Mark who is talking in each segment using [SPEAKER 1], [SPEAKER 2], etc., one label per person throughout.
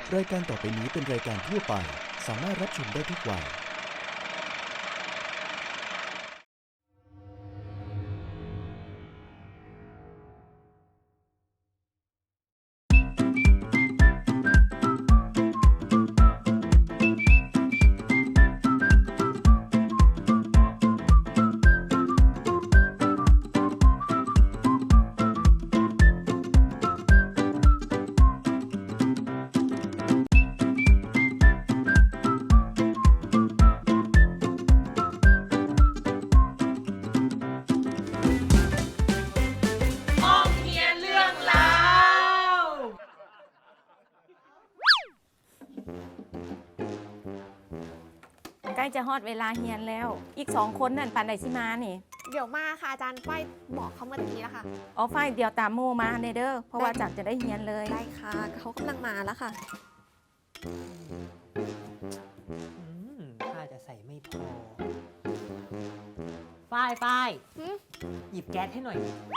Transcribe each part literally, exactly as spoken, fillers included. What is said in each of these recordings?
[SPEAKER 1] รายการต่อไปนี้เป็นรายการทั่วไปสามารถรับชมได้ทุกวัย
[SPEAKER 2] ใกล้จะฮอดเวลาเฮียนแล้ว อีกสองคนนั่นปันไดสิมานี่
[SPEAKER 3] เดี๋ยวมาค่ะอาจารย์ฝ้ายบอกเขาเมื่อกี้แล้วค่ะ
[SPEAKER 2] เอาไฟเดียวตามโมมาเนเด้อเพราะว่าจักจะได้เฮียนเลย
[SPEAKER 3] ได้ค่ะเขากำลังมาแล้วค่ะ
[SPEAKER 4] อืมถ้าจะใส่ไม่พอ ฝ้ายฝ้าย
[SPEAKER 3] หืม
[SPEAKER 4] หยิบแก๊สให้หน่อย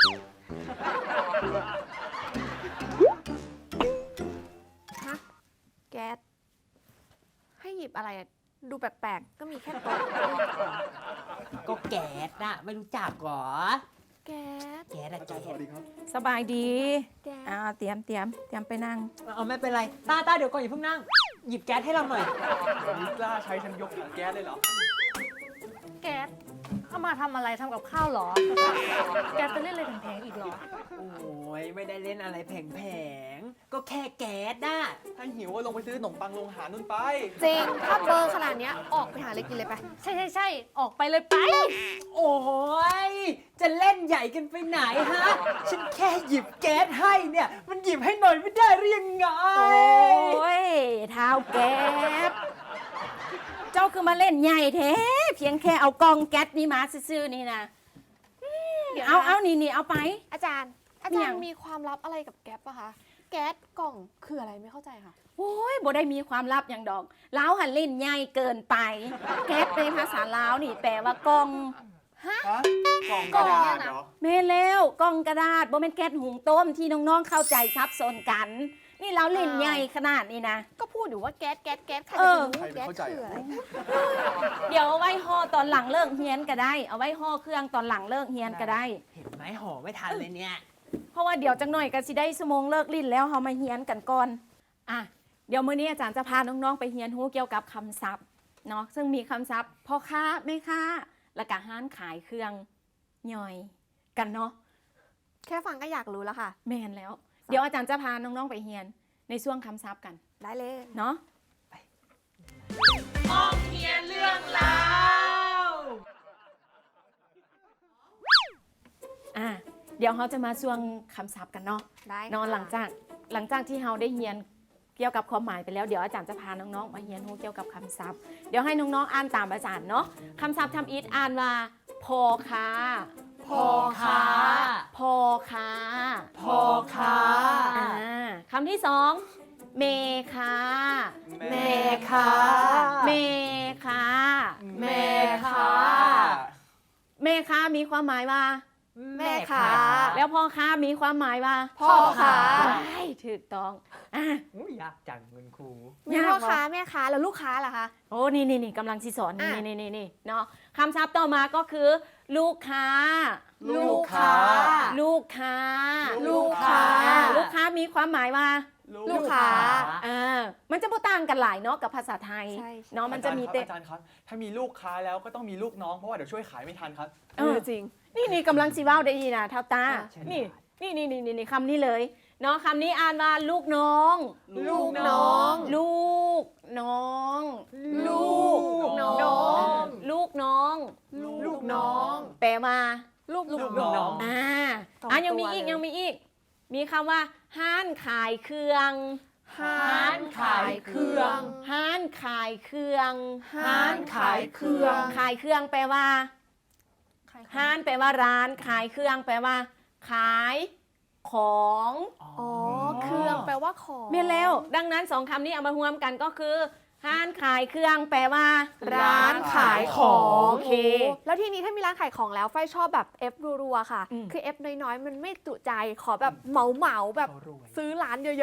[SPEAKER 3] ฮะแก๊สให้หยิบอะไรอะดูแปลกๆ ก็มีแค่โต๊ะ
[SPEAKER 4] ก็แก๊สน่ะ ไม่รู้จักเหรอ
[SPEAKER 3] แก๊ส
[SPEAKER 4] แก๊สอะแก๊ส
[SPEAKER 2] สบายดี
[SPEAKER 3] แก๊ส
[SPEAKER 2] อ่าเตรียมเตรียมเตรียมไปนั่ง
[SPEAKER 4] เอาไม่เป็นไร ตาตาเดี๋ยวก่อนอย่าเพิ่งนั่ง หยิบแก๊สให้เราหน่อย
[SPEAKER 5] นี่กล้าใช้ฉันยกถังแก๊สเลยเหรอ
[SPEAKER 6] แก๊สเอามาทำอะไรทำกับข้าวเหรอ แก๊สจะเล่นอะไรแพงๆอีกเหรอ
[SPEAKER 4] โอ้ยไม่ได้เล่นอะไรแผงๆ ก็แค่แก๊สน่ะ
[SPEAKER 5] ถ้าหิวก็ลงไปซื้อขนมปังโรงอาหารนู่นไป
[SPEAKER 3] จริง ถ้าเบอร์ขนาดเนี้ยออกไปหาอะไรกินเลยไป
[SPEAKER 6] ใช่ใช่ใช่ออกไปเลยไป
[SPEAKER 4] โอ้ยจะเล่นใหญ่กันไปไหนฮะ ฉันแค่หยิบแก๊สให้เนี่ย มันหยิบให้หน่อยไม่ได้หรือยังไง
[SPEAKER 2] โอ้ยเท้าแก๊สเจ้าคือมาเล่นใหญ่แท้เพียงแค่เอากองแก๊สนี่มาซื่อๆนี่นะอืม
[SPEAKER 3] เดี๋ยวนะ
[SPEAKER 2] เอาเอานี่นี่เอาไป
[SPEAKER 3] อาจารย์ อา
[SPEAKER 2] เนี่
[SPEAKER 3] จาย รย์มีความลับอะไรกับแก๊สปะคะ แก๊สกล่องคืออะไรไม่เข้าใจค่ะ
[SPEAKER 2] โอ้ยบ่ได้มีความลับอย่างดอกลาวหันเล่นใหญ่เกินไป แก๊สในภาษาลาวนี่แปลว่ากอง
[SPEAKER 5] ฮะ กล่องกระดาษเหรอ
[SPEAKER 2] แม่แล้วกล่องกระดาษบ่แม่นแก๊สหุงต้มที่น้องๆเข้าใจซับซ้อนกัน นี่เราเล่นใหญ่ขนาดนี้นะ
[SPEAKER 3] ก็พูดอยู่ว่าแก๊สแก๊สแก๊สใคร
[SPEAKER 2] เอ
[SPEAKER 3] จะ
[SPEAKER 2] อ
[SPEAKER 3] รู้แก๊สคืออะไร
[SPEAKER 2] เดี๋ยวเอาไว้ห่อตอนหลังเลิกเฮียนก็ได้ เอาไว้ห่อเครื่องตอนหลังเลิกเฮียนก็ได้
[SPEAKER 4] เห็นไหมห่อไม่ทันเลยเนี่ย
[SPEAKER 2] เพราะว่าเดี๋ยวจังหน่อยก็สิได้ชั่วโมงเลิกลิ้นแล้วเฮามาเฮียนกันก่อนอ่ะเดี๋ยวมื้อนี้อาจารย์จะพาน้องๆไปเฮียนรู้เกี่ยวกับคำศัพท์เนาะซึ่งมีคำศัพท์พ่อค้าแม่ค้าแล้วก็ห้านขายเครื่องย่อยกันเนาะ
[SPEAKER 3] แค่ฟังก็อยากรู้แล้วค่ะ
[SPEAKER 2] แม่นแล้ว เดี๋ยวอาจารย์จะพาน้องๆไปเฮียนในช่วงคำศัพท์กัน
[SPEAKER 3] ได้เลย
[SPEAKER 2] เนาะ อ่ะเดี๋ยวเขาจะมาช่วงคำศัพท์กันเนาะ
[SPEAKER 3] ได้ค่ะ
[SPEAKER 2] นอนหลังจากหลังจากที่เราได้เรียนเกี่ยวกับความหมายไปแล้วเดี๋ยวอาจารย์จะพาน้องๆมาเรียนรู้เกี่ยวกับคำศัพท์เดี๋ยวให้น้องๆอ่านตามอาจารย์เนาะคำศัพท์ทำอีทอ่านว่าพอค้า
[SPEAKER 4] พอค้า
[SPEAKER 2] พอค้า
[SPEAKER 4] พอค้า
[SPEAKER 2] อ่าคำที่สองเมค้า
[SPEAKER 5] แม่
[SPEAKER 4] ค้า
[SPEAKER 2] เมค้า
[SPEAKER 4] แม่ค้า
[SPEAKER 2] เมค้ามีความหมายว่า
[SPEAKER 3] แม่ค้า
[SPEAKER 2] แล้วพ่อค้ามีความหมายว่า
[SPEAKER 3] พ่อค้า
[SPEAKER 2] ใช่ถูกต้องอ่ะ
[SPEAKER 4] อุ้ยยากจังเงินครู
[SPEAKER 3] มีพ่อค้าแม่ค้าแล้วลูกค้าล่ะคะ
[SPEAKER 2] โอ้ นี่นี่นี่กำลังสิสอน
[SPEAKER 3] อ่ะ
[SPEAKER 2] นี่นี่นี่นี่เนาะคำศัพท์ต่อมาก็คือ ลูกค้า
[SPEAKER 5] ลูกค้า
[SPEAKER 2] ลูกค้า
[SPEAKER 3] ลูกค้า
[SPEAKER 2] อ่ลูกค้ามีความหมายว่า
[SPEAKER 3] ลูกค้า
[SPEAKER 2] อ่ามันจะบ่ต่างกันหลายเนาะกับภาษาไทย
[SPEAKER 3] ใช่ใช่
[SPEAKER 2] เนาะมันจะมี
[SPEAKER 5] อา
[SPEAKER 2] เต
[SPEAKER 5] จารย์ครับอาจารย์ครับ ถ้ามีลูกค้าแล้วก็ต้องมีลูกน้อง เพราะว่าเดี๋ยวช่วยขายไม่ทันครับ
[SPEAKER 2] เออ
[SPEAKER 3] จริง
[SPEAKER 2] นี่นี่กำลังสิเว้าได้ดีนะเท่าตา
[SPEAKER 3] อ่ะ
[SPEAKER 2] นี่นี่นี่นี่นี่นี่คำนี้เลยเนาะคำนี้อ่านว่าลูกน้อง
[SPEAKER 5] ลูกน้อง
[SPEAKER 2] ลูกน้อง
[SPEAKER 3] ลูกน้อง
[SPEAKER 2] ลูกน้อง
[SPEAKER 3] ลูกน้อง
[SPEAKER 2] แปลว่า
[SPEAKER 3] ลูก
[SPEAKER 5] ลูกน้อง
[SPEAKER 2] อ่า
[SPEAKER 3] สอง
[SPEAKER 2] อ่ะยังมีอีก
[SPEAKER 3] ตัวเลย
[SPEAKER 2] ยังมีอีก มีคำว่า ห้านขายเครื่อง
[SPEAKER 3] ห้านขายเครื่อง
[SPEAKER 2] ห้านขายเครื่อง
[SPEAKER 3] ห้านขายเครื่อง
[SPEAKER 2] ขายเครื่องแปลว่า ห้านแปลว่าร้าน ขายเครื่องแปลว่า ขายของ
[SPEAKER 3] อ๋อ เครื่องแปลว่าของ
[SPEAKER 2] เมียนแล้ว ดังนั้นสองคำนี้เอามารวมกันก็คือ ห้านขายเครื่องแปลว่า
[SPEAKER 3] ร้านขายของ
[SPEAKER 2] โอเค
[SPEAKER 3] แล้วทีนี้ถ้ามีร้านขายของแล้วไฟชอบแบบเอฟรัวๆค่ะ
[SPEAKER 2] อืม
[SPEAKER 3] คือเอฟน้อยๆ มันไม่จุใจ ขอแบบเหมาๆแบบ
[SPEAKER 4] เขารวย
[SPEAKER 3] ซื้อร้านเยอะๆ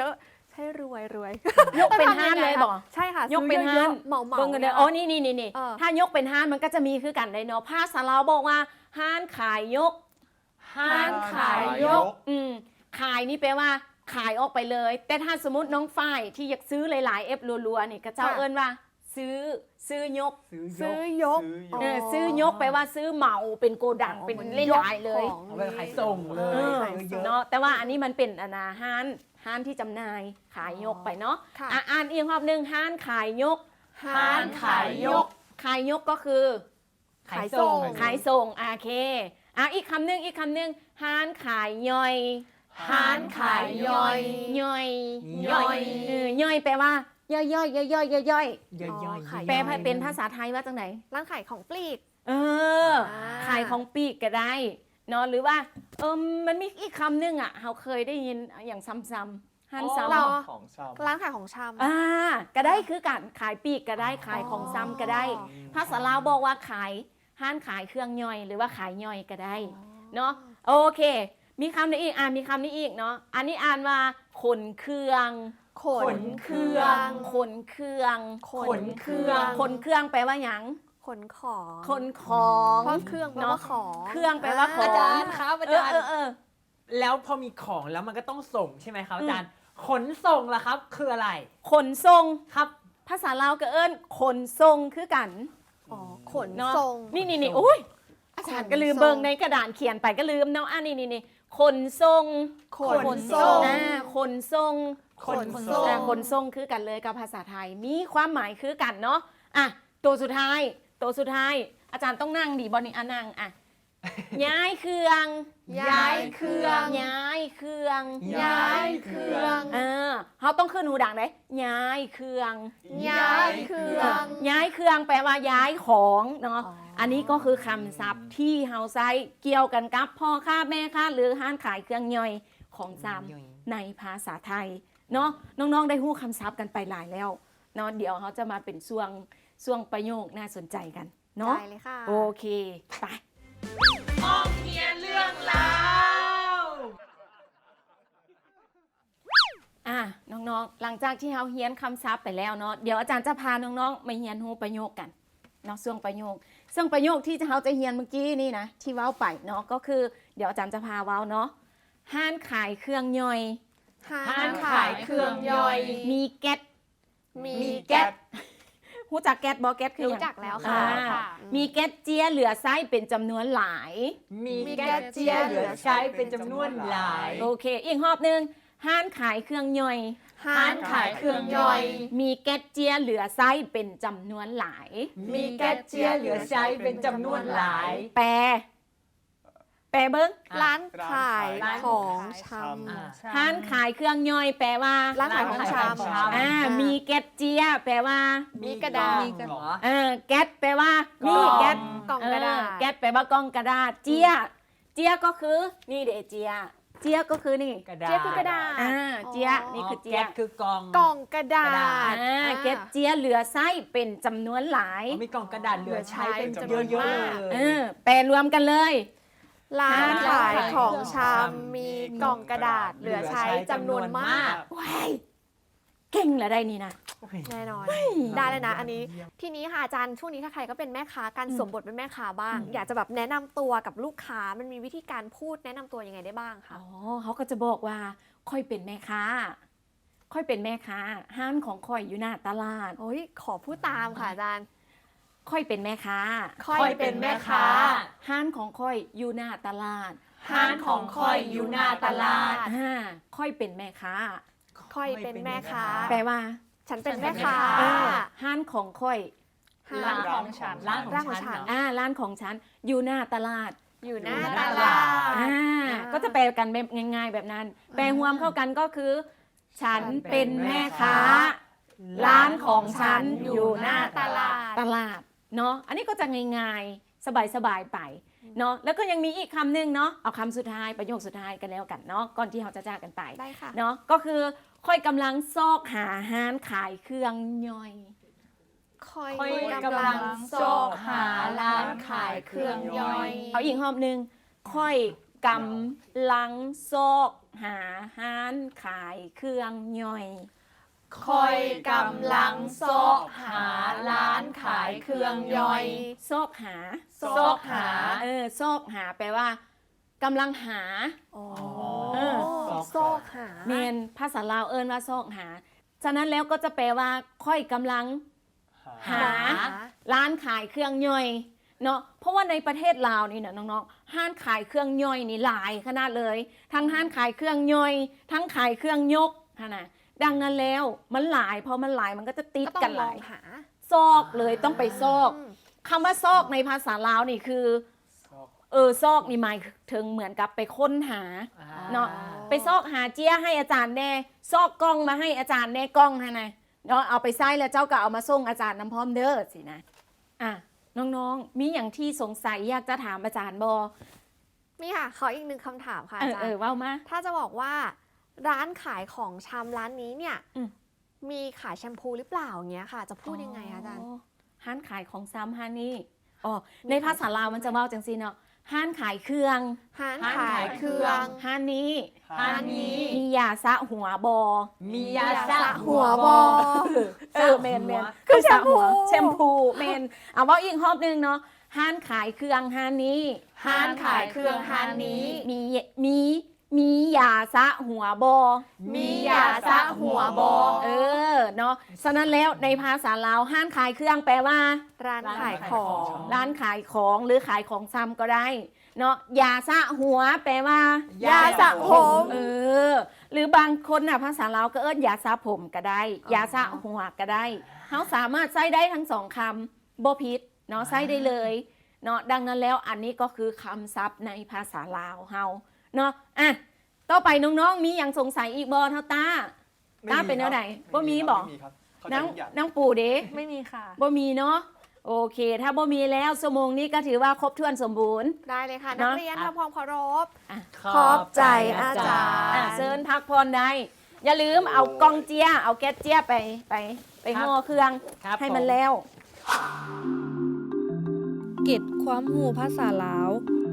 [SPEAKER 3] ใช่รวยรวย
[SPEAKER 2] ยกเป็นห้านเลยบ่
[SPEAKER 3] ใช่ค่ะ
[SPEAKER 2] ยกเป็น
[SPEAKER 3] ซื้อ
[SPEAKER 2] ห้าน
[SPEAKER 3] อะๆเหมาเหมา
[SPEAKER 2] เบิ่งกันเลยอ๋อนี่นี่นี่นี่
[SPEAKER 3] เออ
[SPEAKER 2] ถ้ายกเป็นห้านมันก็จะมีคือกันได้เนาะภาษาลาวบอกว่าห้านขายยก
[SPEAKER 4] ห้านขายยก
[SPEAKER 2] อืมขายนี่แปลว่าขายออกไปเลย แต่ถ้าสมมติน้องฝ้ายที่อยากซื้อหลายๆเอฟรัวๆนี่ก็เจ้าเอิ้นว่า ซื้อซื้อยก
[SPEAKER 3] ซื้อยก
[SPEAKER 2] เออซื้อยกแปลว่าซื้อเหมาเป็นโกดังเป็นเล่นหลายเลย
[SPEAKER 3] ของ
[SPEAKER 4] เอาไปขายส่งเลย
[SPEAKER 2] เออ
[SPEAKER 4] ขายเยอะ
[SPEAKER 2] เนาะแต่ว่าอันนี้มันเป็นอนาห้านห้านที่จำหน่ายขายยกไปเนาะ
[SPEAKER 3] ค่ะ
[SPEAKER 2] อ่ะอ่านอีกรอบหนึ่งห้านขายยก
[SPEAKER 3] ห้านขายยก
[SPEAKER 2] ขายยกก็คือ
[SPEAKER 3] ขายส่ง
[SPEAKER 2] ขายส่งโอเคอ่ะอีกคำหนึ่งอีกคำหนึ่งห้านขายย่อย
[SPEAKER 3] ห้านขายย่อย
[SPEAKER 2] ย่อย
[SPEAKER 3] ย่อย
[SPEAKER 2] เออย่อยแปลว่าย่อยย่อยย่อยย่อยย่อยย่อย
[SPEAKER 4] ย่อย
[SPEAKER 3] อ๋อ
[SPEAKER 4] ๆ
[SPEAKER 3] ขาย
[SPEAKER 2] แปลเป็นภาษาไทยว่าจังไหน
[SPEAKER 3] ร้านขายของปลีก
[SPEAKER 2] เออ
[SPEAKER 3] อ่า
[SPEAKER 2] ขายของปีกก็ได้เนาะหรือว่าเออมันมีอีกคำหนึงอ่ะเราเคยได้ยินอย่างซ้ำๆหันซ้ำ
[SPEAKER 3] เรา
[SPEAKER 5] ของชำ
[SPEAKER 3] ร้านขายของชำ
[SPEAKER 2] อ่าก็ได้คือการขายปีกก็ได้ขายของซ้ำก็ได้
[SPEAKER 3] อ๋อ
[SPEAKER 2] ภาษาลาวบอกว่าขายห้านขายเครื่องย่อย หรือว่าขายย่อยก็ได้เนาะโอเค มีคำนี้อีกอ่านมีคำนี้อีกเนาะอันนี้อ่านว่าขนเครื่อง
[SPEAKER 3] ขนเครื่อง
[SPEAKER 2] ขนเครื่อง
[SPEAKER 3] ขนเครื่อง
[SPEAKER 2] ขนเครื่องแปลว่าหยัง
[SPEAKER 3] ขนของ
[SPEAKER 2] ขนของ
[SPEAKER 3] เพราะเครื่องแปลว่าของ
[SPEAKER 2] เครื่องแปลว่าของ
[SPEAKER 4] อาจารย์ครับอา
[SPEAKER 2] เออ
[SPEAKER 4] จารย์
[SPEAKER 2] เออเออ
[SPEAKER 4] แล้วพอมีของแล้วมันก็ต้องส่งใช่ไหมครับอาจารย์ ขนส่งล่ะครับ คืออะไร
[SPEAKER 2] ขนส่ง
[SPEAKER 4] ครับ
[SPEAKER 2] ภาษาลาวก็เอิ้นขนส่งคือกัน
[SPEAKER 3] อ๋อขน
[SPEAKER 2] เนาะ
[SPEAKER 3] ส่ง
[SPEAKER 2] นี่นี่นี่อุ้ยอาจารย์ก็ลืมเบิ่งในกระดานเขียนไปก็ลืมเนาะอ่ะนี่นี่นี่ขนส่ง
[SPEAKER 3] ขนส่ง
[SPEAKER 2] อ่าขนส่ง
[SPEAKER 3] ขนส่ง
[SPEAKER 2] อ่าขนส่งคือกันเลยกับภาษาไทยมีความหมายคือกันเนาะอ่ะตัวสุดท้ายตัวสุดท้าย อาจารย์ต้องนั่งดีบอนี่อ่ะนั่งอ่ะย้ายเครื่อง
[SPEAKER 3] ย้ายเครื่อง
[SPEAKER 2] ย้ายเครื่อง
[SPEAKER 3] ย้ายเครื่อง
[SPEAKER 2] เออเขาต้องขึ้นหูดังเลยย้ายเครื่อง
[SPEAKER 3] ย้ายเครื่อง
[SPEAKER 2] ย้ายเครื่องแปลว่าย้ายของเนาะ
[SPEAKER 3] อ๋ออั
[SPEAKER 2] อันนี้ก็คือคำศัพท์ที่เฮาใช้เกี่ยวกันกับพ่อค้าแม่ค้าหรือห้านขายเครื่องย่อยของจำในภาษาไทยเนาะน้องๆได้หู้คำศัพท์กันไปหลายแล้วเนาะเดี๋ยวเขาจะมาเป็นช่วงช่วงประโยคน่าสนใจกันเนาะ
[SPEAKER 3] ได้เลยค่ะ
[SPEAKER 2] โอเคไปอ่ะน้องๆหลังจากที่เฮาเฮียนคำศัพท์ไปแล้วเนาะเดี๋ยวอาจารย์จะพาน้องๆมาเฮียนหูประโยคกันเนาะช่วงประโยคซึ่งประโยคที่เฮาจะเฮียนเมื่อกี้นี่นะที่เว้าไปเนาะก็คือเดี๋ยวอาจารย์จะพาเว้าเนาะห้านขายเครื่องย่อย
[SPEAKER 3] ห้านขายเครื่องย่อย
[SPEAKER 2] มีแก๊ส
[SPEAKER 3] มี
[SPEAKER 2] แก๊สหูจักแก๊สบอแก๊สคือห
[SPEAKER 3] รู้
[SPEAKER 2] ยัง
[SPEAKER 3] จักแล้ว
[SPEAKER 2] อ่า
[SPEAKER 3] ค่ะ
[SPEAKER 2] มีแก๊สเจียเหลือไส้เป็นจำนวนหลาย
[SPEAKER 4] มี
[SPEAKER 3] มี
[SPEAKER 4] แก๊สเจียเหลือใช้เป็นจำนวนหลาย
[SPEAKER 2] โอเค อีกรอบหนึ่งห้านขายเครื่องย่อย
[SPEAKER 3] ห้านขายเครื่องย่อย
[SPEAKER 2] มีแก๊สเจียเหลือไส้เป็นจำนวนหลาย
[SPEAKER 4] มีแก๊สเจียเหลือใช้เป็นจำนวนหลาย
[SPEAKER 2] แปล แปลเบิ้ง
[SPEAKER 3] ร้านขาย
[SPEAKER 5] ร้าน
[SPEAKER 3] ของช
[SPEAKER 4] อ่า
[SPEAKER 2] ห้านขายเครื่องย่อย แปลว่า
[SPEAKER 3] ร้านขายของชำ
[SPEAKER 4] ร้านขายของชำ
[SPEAKER 2] อ่ามีแก๊สเจียแปลว่า
[SPEAKER 3] มีกระดาษ
[SPEAKER 4] มีกล่องเหรอ
[SPEAKER 2] เออแก๊สแปลว่า
[SPEAKER 4] กล่
[SPEAKER 2] มี
[SPEAKER 4] อง
[SPEAKER 2] แก๊ส
[SPEAKER 3] กล่องกระดาษ
[SPEAKER 2] เออแก๊สแปลว่ากล่องกระดาษ เจีย เจียก็คือ นี่เดเจีย เจียก็คือนี่
[SPEAKER 4] กระดาษ
[SPEAKER 3] เจี๊ยบคือกระดาษ
[SPEAKER 2] อ่า เจีย นี่คือเจีย
[SPEAKER 4] แก๊สคือกล่อง
[SPEAKER 3] กล่องกระดาษ
[SPEAKER 2] อ่าแก๊สเจียเหลือไส้เป็นจำนวนหลาย
[SPEAKER 4] อ๋อมีกล่องกระดาษเหลือใช้เป็นจำนวน
[SPEAKER 3] เยอะๆ
[SPEAKER 4] มาก
[SPEAKER 2] เออแปลรวมกันเลย
[SPEAKER 3] ร้านขายของช
[SPEAKER 4] ร้านขายของ
[SPEAKER 3] ำ
[SPEAKER 4] ชำ
[SPEAKER 3] มีกล่องกระดาษเหลือใช้จำนวนมาก
[SPEAKER 2] ว้ายเก่งเหรอได้นี่นะ
[SPEAKER 3] แน่นอน ได้เลยนะ อันนี้ ทีนี้ค่ะอาจารย์ช่วงนี้ถ้าใครก็เป็นแม่ค้าการสวมบทเป็นแม่ค้าบ้าง อยากจะแบบแนะนำตัวกับลูกค้ามันมีวิธีการพูดแนะนำตัวยังไงได้บ้างคะ
[SPEAKER 2] อ๋อเขาก็จะบอกว่า ค่อยเป็นแม่ค้า ค่อยเป็นแม่ค้า ห้านของค่อยอยู่หน้าตลาด
[SPEAKER 3] โอ้ยขอพูดตามค่ะอาจารย์
[SPEAKER 2] ค่อยเป็นแม่ค้า
[SPEAKER 3] ค่อยเป็นแม่ค้า
[SPEAKER 2] ห้านของค่อยอยู่หน้าตลาด
[SPEAKER 3] ห้านของค่อยอยู่หน้าตลาด
[SPEAKER 2] อ่าค่อยเป็นแม่ค้า
[SPEAKER 3] ค่อยเป็นแม่ค้า
[SPEAKER 2] แปลว่า
[SPEAKER 3] ฉันเป็นแม่ค้า
[SPEAKER 2] เออห้านของค่อย
[SPEAKER 3] ห้านของฉัน
[SPEAKER 4] ร้าน
[SPEAKER 3] ร้าน
[SPEAKER 4] ข
[SPEAKER 3] ข
[SPEAKER 4] อ
[SPEAKER 3] อง ง
[SPEAKER 4] ฉั
[SPEAKER 3] ฉั
[SPEAKER 4] น
[SPEAKER 3] น
[SPEAKER 4] เหรอ
[SPEAKER 2] อ่าร้านของฉันอยู่หน้าตลาด
[SPEAKER 3] อยู่หน้า
[SPEAKER 4] อยู่ห
[SPEAKER 3] ต
[SPEAKER 4] น้า
[SPEAKER 3] ลาด
[SPEAKER 2] อ่าก็จะแปลกันแบบง่าย ๆ แบบนั้น แปลรวมเข้ากันก็คือ ฉันเป็นแม่ค้า ร้านของฉันอยู่หน้า
[SPEAKER 3] ตลาด
[SPEAKER 2] ตลาดเนาะอันนี้ก็จะง่ายๆ สบายๆไปเนาะแล้วก็ยังมีอีกคำหนึ่งเนาะเอาคำสุดท้ายประโยคสุดท้ายกันแล้วกันเนาะก่อนที่เราจะจากกันไป
[SPEAKER 3] ได้ค่ะ
[SPEAKER 2] เนาะก็คือค่อยกำลังซอกหาห้านขายเครื่องย่อย
[SPEAKER 3] ค่อย
[SPEAKER 4] ค่อย
[SPEAKER 3] กำลัง
[SPEAKER 4] ซอกหาร้านขายเครื่องย่อย
[SPEAKER 2] เอาอีกรอบหนึ่งค่อยกำลังซอกหาห้านขายเครื่องย่อย
[SPEAKER 3] คอยกำลังซอกหาร้านขายเครื่องย่อย
[SPEAKER 2] ซอกหา
[SPEAKER 3] ซอกหา
[SPEAKER 2] เออซอกหาแปลว่ากำลังหา
[SPEAKER 3] อ๋อ
[SPEAKER 2] เออ
[SPEAKER 3] ซอกหา
[SPEAKER 2] เมนภาษาลาวเอิ้นว่าซอกหา ฉะนั้นแล้วก็จะแปลว่าค่อยกำลังหา ร้านขายเครื่องย่อยเนาะเพราะว่าในประเทศลาวนี่นะน้องๆห้านขายเครื่องย่อยนี่หลายขนาดเลย ทั้งห้านขายเครื่องย่อย ทั้งขายเครื่องยกนะดังนั้นแล้วมันหลายพอมันหลายมันก็จะติด
[SPEAKER 3] ก็ต้อ
[SPEAKER 2] กัน
[SPEAKER 3] ง
[SPEAKER 2] ห
[SPEAKER 3] ม
[SPEAKER 2] ลา
[SPEAKER 3] อง
[SPEAKER 2] ย
[SPEAKER 3] หา
[SPEAKER 2] ซอกเลยต้องไปซอก
[SPEAKER 3] อืม
[SPEAKER 2] คำว่าซอกในภาษาลาวนี่คือเออซอกนี่หมายถึงเหมือนกับไปค้นหา เนาะ ไปซอกหาเจี้ยให้อาจารย์แน่ซอกกล้องมาให้อาจารย์แน่กล้องฮะนะเนาะเอาไปใส่แล้วเจ้าก็เอามาส่งอาจารย์น้ำพร้อมเด้อสินะอ่ะน้องๆมีอย่างที่สงสัยอยากจะถามอาจารย์บอ
[SPEAKER 3] มีค่ะขออีกหนึ่งคำถามค่ะ
[SPEAKER 2] เอ
[SPEAKER 3] อา
[SPEAKER 2] อ
[SPEAKER 3] จาร
[SPEAKER 2] เออ
[SPEAKER 3] ย์
[SPEAKER 2] เว่ามา
[SPEAKER 3] ถ้าจะบอกว่าร้านขายของชำร้านนี้เนี่ย
[SPEAKER 2] อืม
[SPEAKER 3] มีขายแชมพูหรือเปล่าอย่างเงี้ยค่ะ จะพูดยังไงคะอาจารย์
[SPEAKER 2] ห้านขายของซ้ำห้านนี่อ๋อในภาษาลาวมันจะเว่าจังสิเนาะห้านขายเครื่อง
[SPEAKER 3] ร้าน
[SPEAKER 4] ร้าน
[SPEAKER 3] ขา
[SPEAKER 4] ขาย ย
[SPEAKER 3] เค
[SPEAKER 4] เครื่
[SPEAKER 3] รื่อ
[SPEAKER 4] อง ง
[SPEAKER 2] ห้านนี้
[SPEAKER 4] ห้านนี้
[SPEAKER 2] มียาสระหัวบอ
[SPEAKER 4] มียาสระ
[SPEAKER 3] หัวบอ
[SPEAKER 2] เออเมนเมน
[SPEAKER 3] คือแชมพู
[SPEAKER 2] แชมพูเมนเอาว่าอีกรอบหนึงเนาะห้านขายเครื่องห้านนี้
[SPEAKER 3] ร้านขายเครื่องร้านนี้
[SPEAKER 2] มีมีมียาสระหัวบอ
[SPEAKER 3] มียาสระหัวบอ
[SPEAKER 2] เออเนาะฉะนั้นแล้วในภาษาลาวห้านขายเครื่องแปลว่า
[SPEAKER 3] ร้านขายของ
[SPEAKER 2] ร้านขายของหรือขายของซ้ำก็ได้เนาะยาสระหัวแปลว่า
[SPEAKER 3] ยาสระผม
[SPEAKER 2] เออหรือบางคนน่ะภาษาลาวก็เอิ้นยาสระผมก็ได้ยาสระหัวก็ได้เขาสามารถใช้ได้ทั้งสองคำบ่ผิดเนาะใช้ได้เลยเนาะดังนั้นแล้วอันนี้ก็คือคำศัพท์ในภาษาลาวเฮาเนาะอ่ะต่อไปน้องๆมีอย่างสงสัยอีกบ่เท่าตาตาเป็นแนวไหนบ่มีบ่
[SPEAKER 5] ไม่มีครับเข้าใจ
[SPEAKER 2] น้อง
[SPEAKER 5] ทุกอย่าง
[SPEAKER 2] น้องปู่เด้
[SPEAKER 6] ไม่มีค่ะ
[SPEAKER 2] บ่มีเนาะโอเค ถ้าบ่มีแล้วชั่วโมงนี้ก็ถือว่าครบถ้วนสมบูรณ์
[SPEAKER 3] ได้เลยค่ะ
[SPEAKER 2] เน
[SPEAKER 3] นั
[SPEAKER 2] อะ
[SPEAKER 3] กเรียนทำความเคารพ
[SPEAKER 2] อ่ะ
[SPEAKER 3] ขอบใจอาจารย์
[SPEAKER 2] อ่ะเชิญพักผ่อนได้ อย่าลืมเอากล้องเจี้ยเอาแก๊สเจี้ยไปไปไปห่อเครื่อง
[SPEAKER 4] ครับ
[SPEAKER 2] ให้มัน
[SPEAKER 4] ผ
[SPEAKER 2] แล้ว
[SPEAKER 7] เก็ดความหูภาษาลาว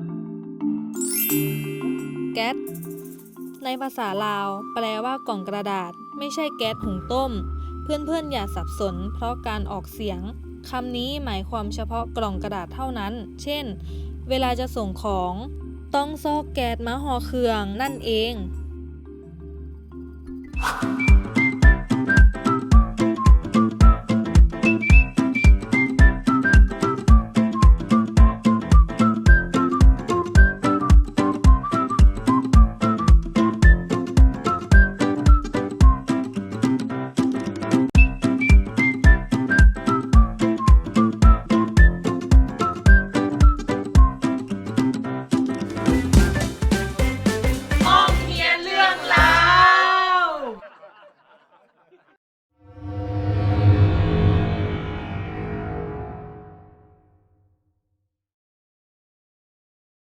[SPEAKER 7] แก๊สในภาษาลาว แปลว่ากล่องกระดาษ ไม่ใช่แก๊สหุงต้ม เพื่อนๆอย่าสับสน เพราะการออกเสียงคำนี้หมายความเฉพาะกล่องกระดาษเท่านั้น เช่น เวลาจะส่งของต้องซอกแก๊สมาห่อเครื่องนั่นเอง